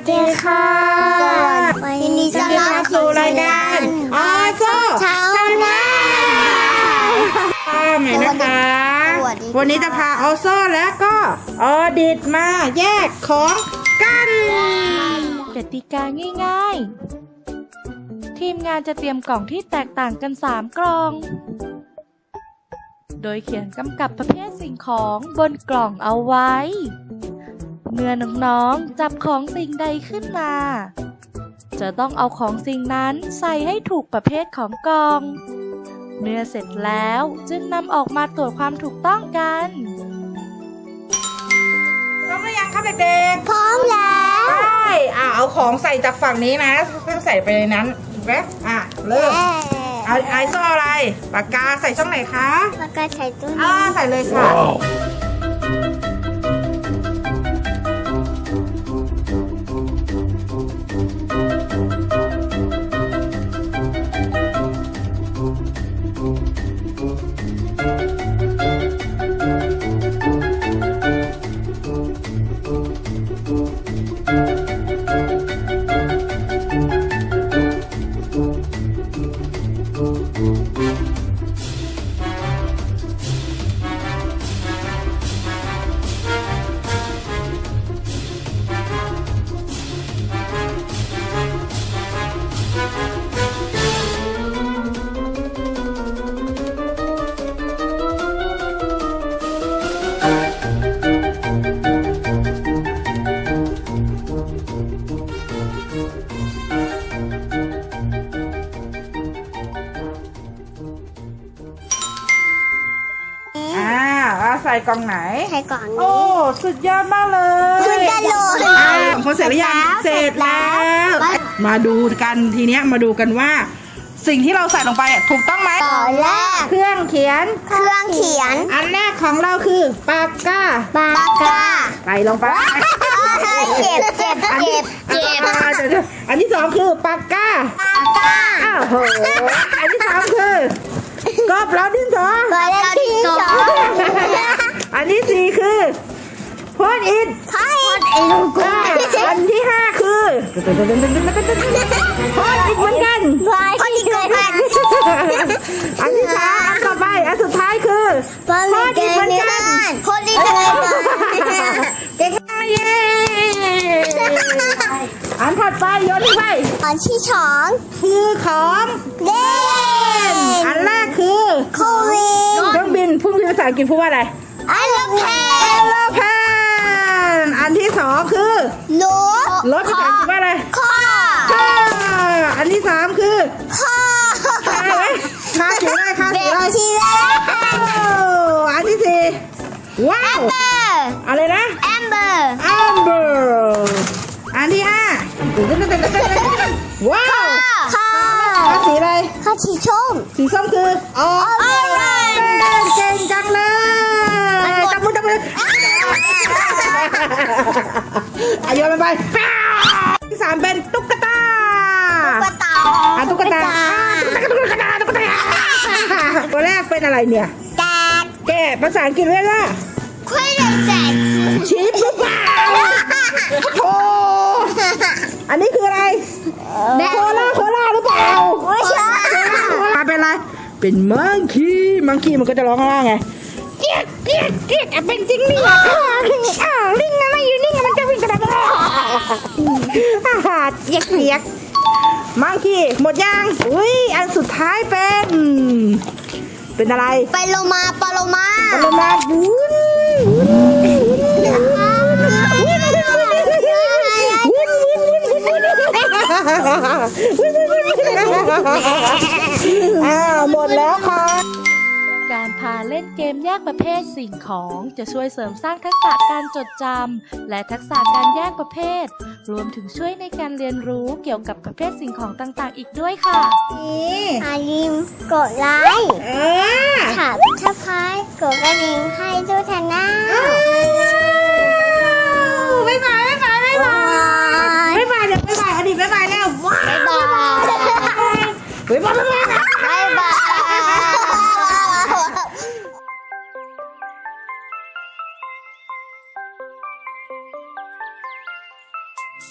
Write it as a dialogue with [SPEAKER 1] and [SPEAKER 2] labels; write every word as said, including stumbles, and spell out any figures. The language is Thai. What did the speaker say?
[SPEAKER 1] ดีค่ะวันนี้จะมาสู่รายการออโซ่ชาวนา
[SPEAKER 2] ใหม่นะคะวันนี้จะพาออโซ่และก็ออดิตมาแยกของกัน
[SPEAKER 3] กติกาง่ายๆทีมงานจะเตรียมกล่องที่แตกต่างกันสามกล่องโดยเขียนกำกับประเภทสิ่งของบนกล่องเอาไว้เมื่อน้องๆจับของสิ่งใดขึ้นมาจะต้องเอาของสิ่งนั้นใส่ให้ถูกประเภทของกล่องเมื่อเสร็จแล้วจึงนำออกมาตรวจความถูกต้องกัน
[SPEAKER 2] พร้อมหรือยังคะเด็กๆ
[SPEAKER 1] พร้อมแล้ว
[SPEAKER 2] ใช่อ่ะเอาของใส่จากฝั่งนี้นะต้องใส่ไปในนั้นถูกไหมอ่ะเริ่มเอาไอโซ่อะไรปากกาใส่ช่องไหนคะ
[SPEAKER 1] ปากกาใส่ตู้
[SPEAKER 2] อ่าใส่เลยค่ะใส่กล่องไหน
[SPEAKER 1] ใส่กล่องนี้
[SPEAKER 2] โอ้สุดยอดมากเลย
[SPEAKER 1] สุดยอดเลย
[SPEAKER 2] ของคนเสร็จหรือยังเสร็จแล้วมาดูกันทีเนี้ยมาดูกันว่าสิ่งที่เราใส่ลงไปถูกต้องไหม
[SPEAKER 1] ตอนแรก
[SPEAKER 2] เครื่องเขียน
[SPEAKER 1] เครื่องเขียน
[SPEAKER 2] อันแรกของเราคือปากกา
[SPEAKER 1] ปากกา
[SPEAKER 2] ใส่ลงไป
[SPEAKER 1] เจ็บเจ็บเจ็บเจ็บ
[SPEAKER 2] อันที่สองคือปากกา
[SPEAKER 1] ปากกา
[SPEAKER 2] อ้าวโหอันที่สามคือกบแล้วดินสอ
[SPEAKER 1] แล้วดินสอ
[SPEAKER 2] อันที่สี่คือพอดอิน
[SPEAKER 1] พอดอิน
[SPEAKER 2] อันที่ห้าคือพอดอินเหมือนกัน
[SPEAKER 1] พอดอินเหมือนกัน
[SPEAKER 2] อันที่สามอันต่อไปอันสุดท้ายคือ
[SPEAKER 1] พอดอินเหมือนกันพอดอินเหมือนกัน
[SPEAKER 2] เก่งมากเย้อันถัดไปโยนไป
[SPEAKER 1] อันที่สอง
[SPEAKER 2] คือของ
[SPEAKER 1] เล่น
[SPEAKER 2] อันแรกคือ
[SPEAKER 1] โควิด
[SPEAKER 2] เครื่องบินพุ่งบินภาษาอังกฤษพูดว่าอะไร
[SPEAKER 1] แอโรเพน
[SPEAKER 2] แอโรเพนอันที่สองคือ
[SPEAKER 1] รถ
[SPEAKER 2] รถภาษาอังกฤษว่าอะไร
[SPEAKER 1] คอ
[SPEAKER 2] อันที่สามคือ
[SPEAKER 1] คอ
[SPEAKER 2] คาไหมคาสีอะไรคาสีอะไร
[SPEAKER 1] สีแดง
[SPEAKER 2] อันที่สี่ว้าวอะไรนะ
[SPEAKER 1] แอมเบอร์
[SPEAKER 2] แอมเบอร์อันที่ห้าว้าว
[SPEAKER 1] คอ
[SPEAKER 2] คาสีอะไร
[SPEAKER 1] คาสีส้ม
[SPEAKER 2] สีส้มคือออเรนจ์เก่งจังเลยจับมือจับมืออายุมันไปที่สามเป็นตุ๊กตา
[SPEAKER 1] ตุ๊กตา
[SPEAKER 2] ตุ๊กตาตุ๊กตาตุ๊กตาตัวแรกเป็นอะไรเนี่ย
[SPEAKER 1] แกะ
[SPEAKER 2] แกะภาษาอังกฤษเรียกว่า
[SPEAKER 1] คุยเรื่องแจก
[SPEAKER 2] ชีฟหรือเปล่าโอ้อันนี้คืออะไรโคล่าโคล่าหรือเปล่า
[SPEAKER 1] ไม่ใช่
[SPEAKER 2] มาเป็นอะไรเป็นมังคีมังคีมันก็จะร้องข้างล่างไงเกียดเกียดเกียดเป็นจริงนี่อ้าวลิงอะไรอยู่นี่มันจะวิ่งกระโดดอาหารเกียดเกียดมังคีหมดยังอุ้ยอันสุดท้ายเป็นเป็นอะไร
[SPEAKER 1] ไปโลมาปโลมา
[SPEAKER 2] ปโลมาบุ้นอ้าวหมดแล้วค่ะ
[SPEAKER 3] การพาเล่นเกมแยกประเภทสิ่งของจะช่วยเสริมสร้างทักษะการจดจำและทักษะการแยกประเภทรวมถึงช่วยในการเรียนรู้เกี่ยวกับประเภทสิ่งของต่างๆอีกด้วยค่ะ
[SPEAKER 1] อย่าลืมกดไลค์ค่ะถ้าพายกดกระดิ่งให้ด้วยท่านนะ
[SPEAKER 2] บ๊ายบายบ๊ายบายบ๊ายบายบ๊ายบายเดี๋ยวบ๊ายบายอดีตบ๊ายบายแล้วว้าวบ๊ายบายบ๊ายบายบ๊ายบาย
[SPEAKER 1] บ๊ายบาย